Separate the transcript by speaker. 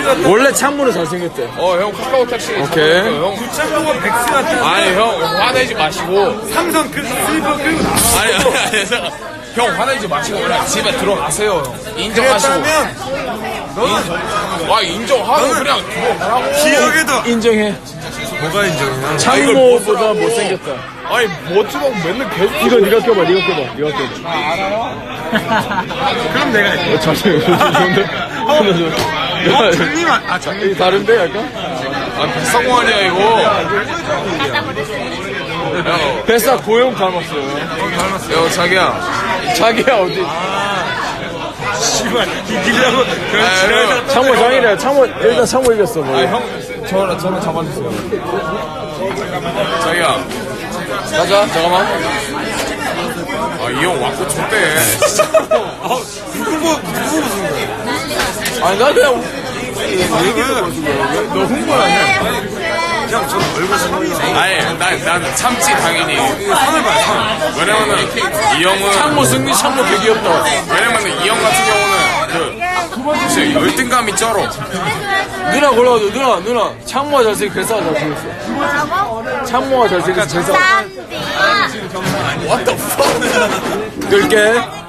Speaker 1: 원래 창문은 잘생겼대.
Speaker 2: 형 카카오 택시.
Speaker 1: 오케이.
Speaker 2: 형.
Speaker 3: 구창모가 백수 같다.
Speaker 2: 아니, 형 화내지 마시고.
Speaker 3: 삼성 슬리퍼 끌고 나와.
Speaker 2: 아니, 형 화내지 마시고 그냥 집에 들어가세요, 형. 인정하시고. 인정하고 그냥 들어가라고.
Speaker 3: 기억에도
Speaker 1: 인정해.
Speaker 3: 뭐가 인정이야?
Speaker 1: 창모보다 못생겼다.
Speaker 2: 아니, 멋지다고 맨날 계속.
Speaker 1: 이거 네가 껴봐, 네가 껴봐.
Speaker 3: 그럼 내가 할게.
Speaker 1: 자신 좋은데?
Speaker 3: 장님 장님.
Speaker 1: 다른데 약간?
Speaker 2: 비싼 거 아니야, 이거.
Speaker 1: 뱃살 고용 닮았어요.
Speaker 2: 형, 자기야.
Speaker 1: 자기야 어디?
Speaker 3: 씨발 이기려고 그런 지랄을
Speaker 1: 창모 장이래. 창모 일단 창모 이겼어. 뭐.
Speaker 2: 형, 저는 잡아주세요. 자기야.
Speaker 1: 가자. 잠깐만.
Speaker 2: 이 형 왔고 좋대.
Speaker 3: 누구 무슨 거야?
Speaker 1: 아니 나 그냥
Speaker 2: 너 흥분하냐?
Speaker 3: 형, 저 얼굴 상황이
Speaker 2: 아니, 난 참지, 당연히.
Speaker 3: 상을 봐요, 상.
Speaker 2: 왜냐면은, 이 형은.
Speaker 1: 창모 승리 창모 되게 귀엽다.
Speaker 2: 왜냐면은, 이 형 같은 경우는, 진짜 열등감이 쩔어.
Speaker 1: 누나 골라줘. 누나. 창모가 잘생겨. 뱃살 잘생겼어.
Speaker 4: 뭐라고?
Speaker 1: 창모가 잘생겼어. 뱃살.
Speaker 4: 쌈비.
Speaker 2: What the fuck?
Speaker 1: 끌게.